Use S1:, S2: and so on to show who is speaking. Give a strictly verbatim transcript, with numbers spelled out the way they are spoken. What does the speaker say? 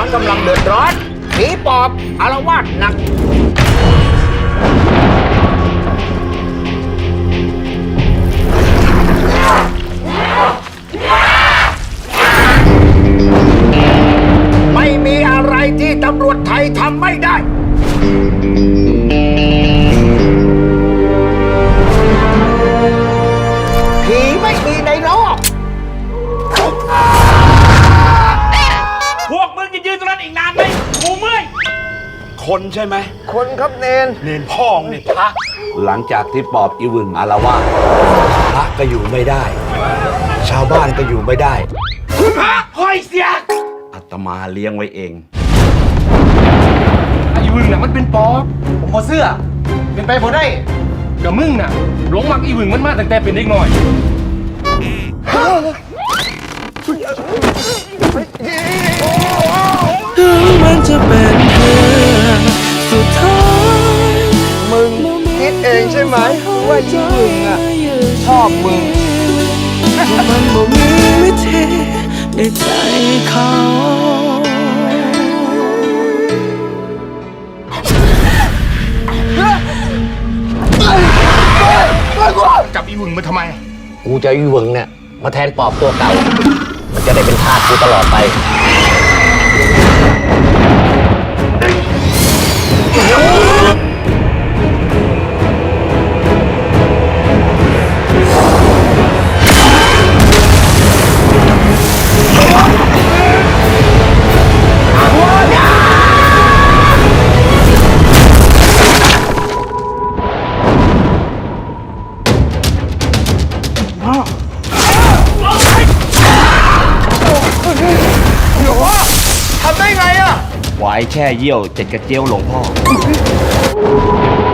S1: กำลังเดือดร้อนผีปอบอาละวาดหนักไม่มีอะไรที่ตำรวจไทยทำไม่ได้ผีไม่มีในโลก
S2: พวกมึงจะยืนตรงนั้นอีกนานไหมกูเมื่อยคนใช่ไหม
S1: คนครับเนน
S2: เนนพ่องเนี่ยพระ
S3: หลังจากที่ปอบอีวึงอาละวาดพระก็อยู่ไม่ได้ ชาวบ้านก็อยู่ไม่ได้
S2: คุณพระห้อยเสียก
S3: อาตมาเลี้ยงไว้เอง
S2: ไอ้วึงน่ะมันเป็นปอบผมพอเสื้อเป็นไปพอได้กับมึงน่ะหลงมักอีวึงมันมาตั้งแต่เป็นเด็กหน่อย
S4: ถึงมันจะเป็นเรื่องสุดท้าย
S1: มึงคิดเองใช่ไหมว่าอีมึงอ่ะชอบมึง
S4: มันบ่มีวิธีในใจเขา
S2: จับอีวึงมาทำไม
S3: กูจะอีวึงเนี่ยมาแทนปอบตัวเก่า มันจะได้เป็นทาสกูตลอดไป
S1: ทำได้ไงอ่ะ
S3: ไว้แช่เยี่ยวเจ็ดกระเจียวหลวงพ่อ